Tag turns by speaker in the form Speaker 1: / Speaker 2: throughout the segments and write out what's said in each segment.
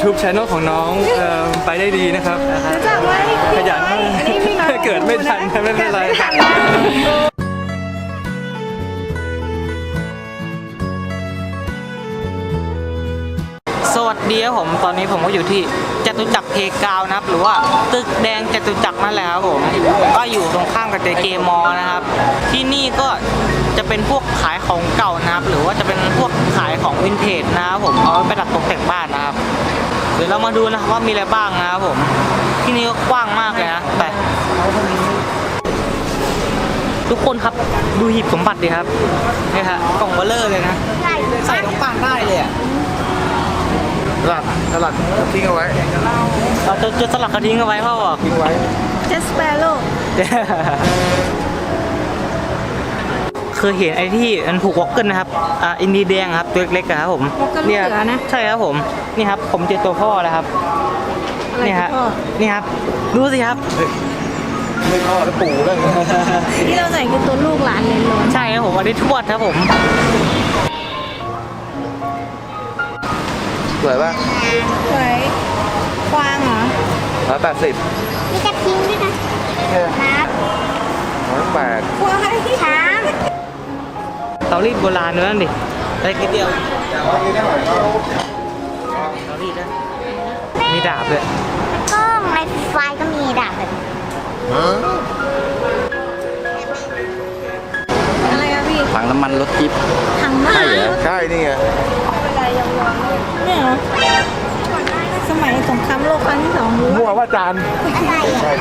Speaker 1: YouTube Channel ของน้องไปได้ดีนะครับ
Speaker 2: รู้จักไหม
Speaker 1: ขยันมากเกิดไม่ทันไม่เป็นไร
Speaker 3: สวัสดีครับผมตอนนี้ผมก็อยู่ที่จตุจักรเพกาวนะครับหรือว่าตึกแดงจตุจักรนั่นแหละครับผมก็อยู่ตรงข้ามกับเจเกมอนะครับที่นี่ก็จะเป็นพวกขายของเก่านะครับหรือว่าจะเป็นพวกขายของวินเทจนะครับผมเอาไว้ประดับตกแต่งบ้านนะครับเดี๋ยวเรามาดูนะครับว่ามีอะไรบ้างนะครับผมที่นี่ก็กว้างมากเลยนะแต่ทุกคนครับดูหีบสมบัติดิครับนี่ฮะกล่องเบลเลอร์เลยนะใส่ลงปานได้เลยอะ
Speaker 1: สลัดทิ้งเอาไว้
Speaker 3: เราจะสลักกระทิ้งเอาไว้พ่อบอก
Speaker 1: ทิ้งไว้
Speaker 2: เจสเปโร่
Speaker 3: เคยเห็นไอ้ที่มันผูกวอลเกิลนะครับอินดีแดงครับตัวเล็กๆครับผม
Speaker 2: เนี่ยนะ
Speaker 3: ใช่ครับผมนี่ครับผมเจอตัวพ่อแล้วครับนี่ฮะนี่ครับดูสิครับ
Speaker 1: ไม่พ่อแล้วปู่เลย
Speaker 2: ที่เราใส่คือตัวลูกหลานเลยล้น
Speaker 3: ใช่ครับผมอันนี้ทวดครับผม
Speaker 1: สวยป่ะ
Speaker 2: สวยกวางเหรอ
Speaker 1: 180
Speaker 2: มีกระทิงด้วยนะ
Speaker 1: 108
Speaker 2: กวางช้าง
Speaker 3: เตารีดโบราณนั่นดิได้กี่เดียวเตารีดนะมีดาบเลย
Speaker 2: ก็ในไฟก็มีดาบเลยอะไรอะพี่
Speaker 3: ถังน้ำมันรถจิ๊บ
Speaker 2: ถังน้ำมัน
Speaker 1: ใช่นี่ไง
Speaker 2: เนี่ยเหรอสมัยสงครามโลกครั้งที่2รู้
Speaker 1: มั่วว่าจานใช่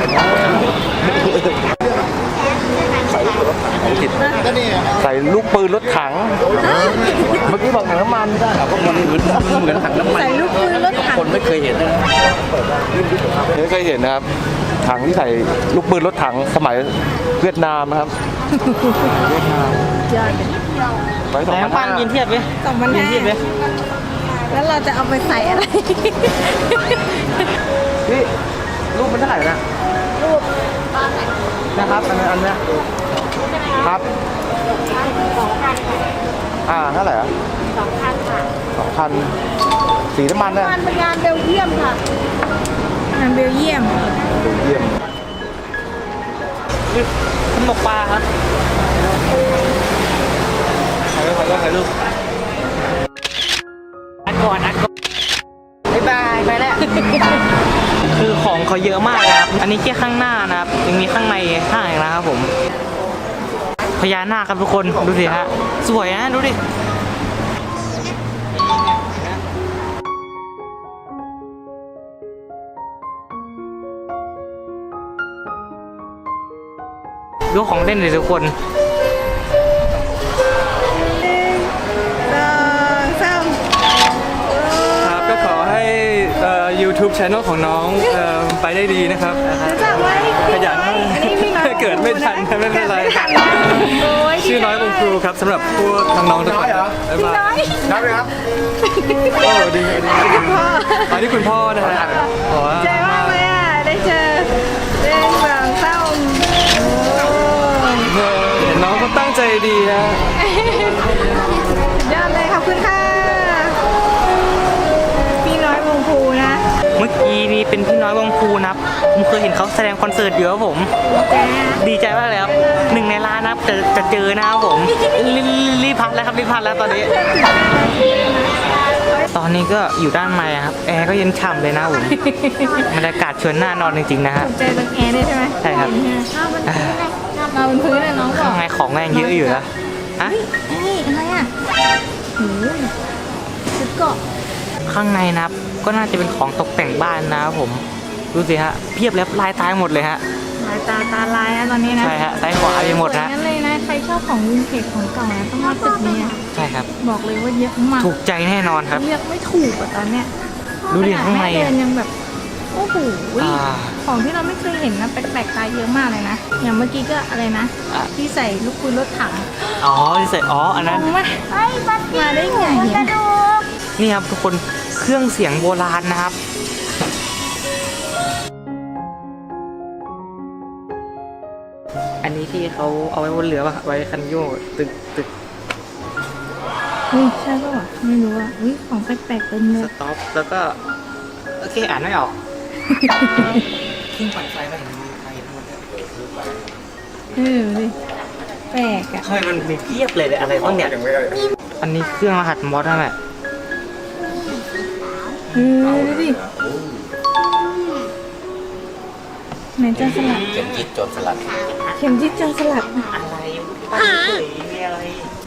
Speaker 1: ใส่ลูกปืนรถถังเมื่อกี้บอกถังน้ำมันได้เหรอก็มันเหมือนถังน้ำมัน
Speaker 2: ใส่ลูกปืนรถถัง
Speaker 3: คนไม่เคยเห็น
Speaker 1: ไม่เคยเห็นนะครับถังที่ใส่ลูกปืนรถถังสมัยเวียดนามนะครับ
Speaker 2: ยอด
Speaker 1: ไป
Speaker 3: แต่น้ำมันยืนเทียบไหมยืนเทียบไหม
Speaker 2: แล้วเราจะเอาไปใส่อะไร
Speaker 1: นี่รูปมันเท่าไหร่นะ
Speaker 2: รูป
Speaker 1: นะครับอันนี้ครับ
Speaker 2: 2,000
Speaker 1: เท่าไหร่อ่ะ
Speaker 2: 2,000ค่ะ
Speaker 1: 2,000สีน้ำมันนะ
Speaker 2: เป็นงานเบลเยียมค่ะงานเบลเยียม
Speaker 3: ขนมปลาครับถ่ายรูปอัดก่อนบ๊ายบายไปแล้วคือของเขาเยอะมากนะครับอันนี้แค่ข้างหน้านะครับยังมีข้างในข้างอีกนะครับผมพญานาคครับทุกคนดูสิฮะสวยนะดูดิดูของเล่นเลยทุกคน
Speaker 1: ครับก็ขอให้YouTube Channel ของน้องไปได้ดีนะครับ
Speaker 2: รู้จักไหม
Speaker 1: ขยันเกิดไม่ทันไม่เป็นไรชื่อน้อยวงครูครับสำหรับพวกน้องๆทุกคนบ๊ายบายนับเลยครับโอ้ดีอันนี้คุณพ่อนะฮะ
Speaker 2: ใจมากเลยอ่ะได้เจอเล่นแบบเศร้า
Speaker 1: เห็นน้องเขาตั้งใจดีนะ
Speaker 2: ยอดเลยขอบคุณค่ะพี่น้อยวงภูนะ
Speaker 3: เมื่อกี้นี้เป็นพี่น้อยวงภูนะครับผมเคยเห็นเขาแสดงคอนเสิร์ตเยอะผมดีใจมากเลยครับ1 ในล้านนะครับจะเจอนะครับผมรีบพัดแล้วครับรีบพัดแล้วตอนนี้ก็อยู่ด้านในครับแอร์ก็เย็นฉ่ำเลยนะผมบรรยากาศชวนน่านอนจริงๆนะฮะ
Speaker 2: ใจตรงแอร์ด้วยใช่ไหม
Speaker 3: ใช่ครับ
Speaker 2: มาบนพื้นเลยน้องบอก
Speaker 3: ข้างในของแรงเยอะอยู่นะ
Speaker 2: ฮะอะไรอ่ะชุดเกาะ
Speaker 3: ข้างในนะครับก็น่าจะเป็นของตกแต่งบ้านนะครับผมดูสิฮะเพียบแล้วลายตายหมดเลยฮะ
Speaker 2: ลายตาลายนะตอนนี้นะ
Speaker 3: ใช่ฮะซ้ายขวาไปหมดนะ
Speaker 2: งั้นเลยนะใครชอบของวินเทจของเก่านะต้องมาตึกนี้
Speaker 3: ใช่ครับ
Speaker 2: บอกเลยว่าเยอะมาก
Speaker 3: ถูกใจแน่นอนครับ
Speaker 2: เลือกไม่ถูกอ่ะตอนเนี้ย
Speaker 3: ดูดิข้างใน
Speaker 2: ยังแบบโอ้โหของที่เราไม่เคยเห็นนะแปลกๆตาเยอะมากเลยนะอย่างเมื่อกี้ก็อะไรนะที่ใส่ลูกปืนรถถัง
Speaker 3: ที่ใส่อันนั้น
Speaker 2: มาได้ไง
Speaker 3: นี่ครับทุกคนเครื่องเสียงโบราณนะครับอันนี้ที่เขาเอาไว้บนเรือป่ะไว้คันโยกตึก
Speaker 2: ใช่ป่ะไม่รู้อ่ะของแปลกๆเต็มเลย
Speaker 3: สต็อปแล้วก็โอเคอ่านไม่ออกทิ้งปั่นไฟไปเห็นไฟหมดเลย
Speaker 2: ดิแปลกอ่ะ
Speaker 3: ทำไมมันมีเพียบเลยอะไรบ้างเนี่ยอันนี้เครื่องรหัสมอสนั่นแหละ
Speaker 2: ดูดิไหนจันสลัด
Speaker 1: เข็มจิตโจรสลัด
Speaker 2: เข็มจิตจันสลัด
Speaker 3: อะไรตั้งเฉยมีอะไร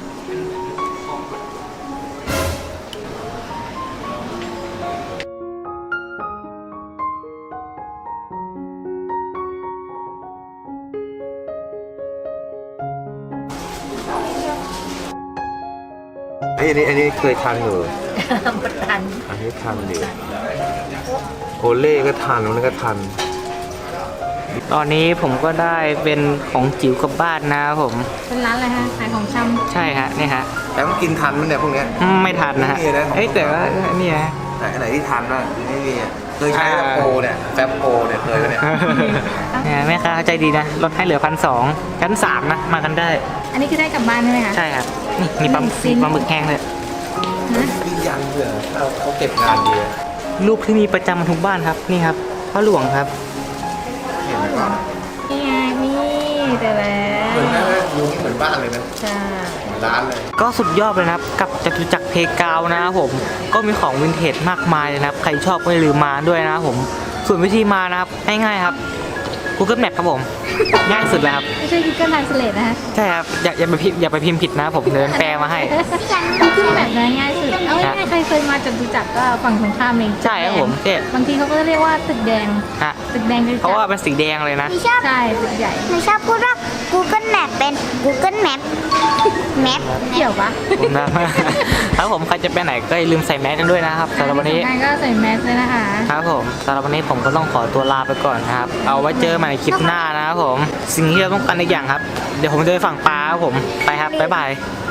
Speaker 1: อันนี้เคยทานอยู่ทันอันนี้ทานอยู่โอเล่ก็ทานนู้นก็ทาน
Speaker 3: ตอนนี้ผมก็ได้เป็นของจิ๋วกลับบ้านนะครับผม
Speaker 2: เป็นร้านอะไรฮะขายของชำ
Speaker 3: ใช่ฮะนี่ฮะ
Speaker 1: แต่มันกินทันมันเนี่ยพวกเนี้ย
Speaker 3: ไม่ทันนะฮะ
Speaker 1: ไม่มีนะ
Speaker 3: เอ้ยแต่ว่านี่ฮะ
Speaker 1: ไหนที่ทันบ้างไม่มีอะเคยใช้แฟบโปรเนี่ยแฟบโปรเนี่ยเคยปะเนี่ย
Speaker 3: เนี่ยแม่ค้าใจดีนะลดให้เหลือ1,200ชั้น3นะมากันได้
Speaker 2: อันนี้คือได้กลับบ้านใช่ไหมคะ
Speaker 3: ใช่ครับนี่มีปลา
Speaker 2: ซิ้น
Speaker 3: หมึกแห้งเลย
Speaker 2: ฮะ
Speaker 1: ยืนยันเผื่อเขาเก็บงานดีอะ
Speaker 3: รูปที่มีประจำทุกบ้านครับนี่ครับพ่อหลวงครับ
Speaker 1: เห็นไหมว่า
Speaker 2: นี่ไงนี่แต่แล้ว
Speaker 1: เหมือนนะยูนี่เหมือนบ้านเลยนะ
Speaker 2: ใช่
Speaker 1: เหมือนร้านเลย
Speaker 3: ก็สุดยอดเลยนะครับกับจตุจักรเพกาวนะครับผมก็มีของวินเทจมากมายเลยนะครับใครชอบก็อย่าลืมมาด้วยนะครับผมส่วนวิธีมานะครับง่ายๆครับ Google Map ครับผม ง่ายสุดเลยครับ
Speaker 2: ไม่ใช่ Google Translate นะฮะ
Speaker 3: ใช่ครับอย่าไปพิมพ์ผิดนะผมเดินแปลมาให้
Speaker 2: ขึ้นแบบนั้นง่ายสุดเอาง่ายๆใครเคยมาจตุจักรก็ฝั่งตรงข้ามเอง
Speaker 3: ใช่ครับผมเจ๊
Speaker 2: บางทีเขาก็เรียกว่าตึกแดง
Speaker 3: ฮะ
Speaker 2: ตึกแดงจตุ
Speaker 3: เพราะ
Speaker 2: จั
Speaker 3: ว่าก เป็นสีแดงเลยนะ
Speaker 4: หนูชอบ
Speaker 2: ใช่ตึกใหญ่
Speaker 4: หนูชอบพูดว่า Google Map เป็น Google Map Map
Speaker 2: เกี่ยวปะ
Speaker 3: ผมนะครับผมใครจะไปไหนก็อย่าลืมใส่แมสกันด้วยนะครับสำหรับวันนี้
Speaker 2: งานก็ใส่แมสเลยนะคะ
Speaker 3: ครับผมสำหรับวันนี้ผมก็ต้องขอตัวลาไปก่อนนะครับ เอาไว้เจอใหม่ในคลิปหน้านะครับผม สิ่งที่เราต้องการอีกอย่างครับ เดี๋ยวผมจะไปฝั่งปลาครับผม ไปครับ บ๊ายบาย
Speaker 4: บ